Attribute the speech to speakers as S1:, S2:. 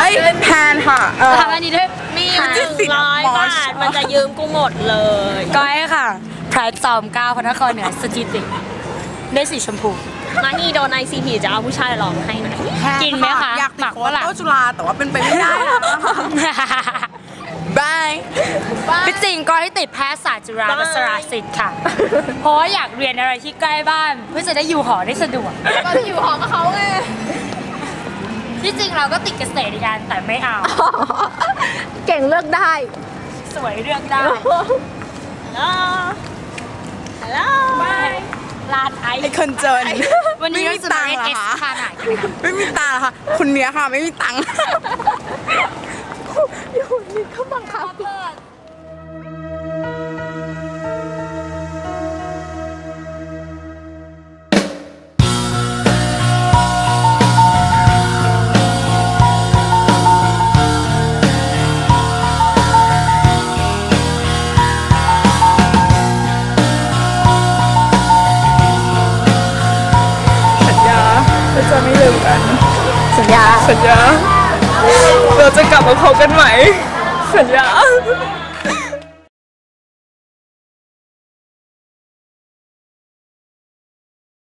S1: ยแพนค่ะ
S2: ทำอันนี้ด้วย
S3: มี100 บาทมันจะยืมกูหมดเลย
S2: ก้อยค่ะพรายจอม9พระนครเหนือสถิติได้สีชมพู
S3: มานี่โดนICPจะเอาผู้ชายลองให้หน่อย
S2: กินไหมคะ
S1: อยากติดโค้ชจุฬาแต่ว่าเป็นไปไม่ได้บาย
S2: พี่จริงก็ให้ติดแพทยศาสตร์จุฬาลงกรณศิลป์ค่ะเพราะว่าอยากเรียนอะไรที่ใกล้บ้านเพื่อจะได้อยู่หอได้สะดวก
S3: ก็อยู่หอกับเขาไง
S2: ที่จริงเราก็ติดเกษตรกันแต่ไม่เอา
S3: เก่งเลือกได้
S2: สวยเลือกได้
S3: ฮัลโหลบาย
S2: ลานไอ
S1: คนจน
S2: วันนี้เราจะมาเล่นเอ็กซ์คาไหน
S1: ไม่มีตังค์ค่ะคนเนี้ยค่ะไม่มีตังค์
S3: อยู่นี่เขาบังคับ
S1: จะไม่ลืมกัน
S3: สัญญา
S1: เราจะกลับมาพบกันใหม่สัญญา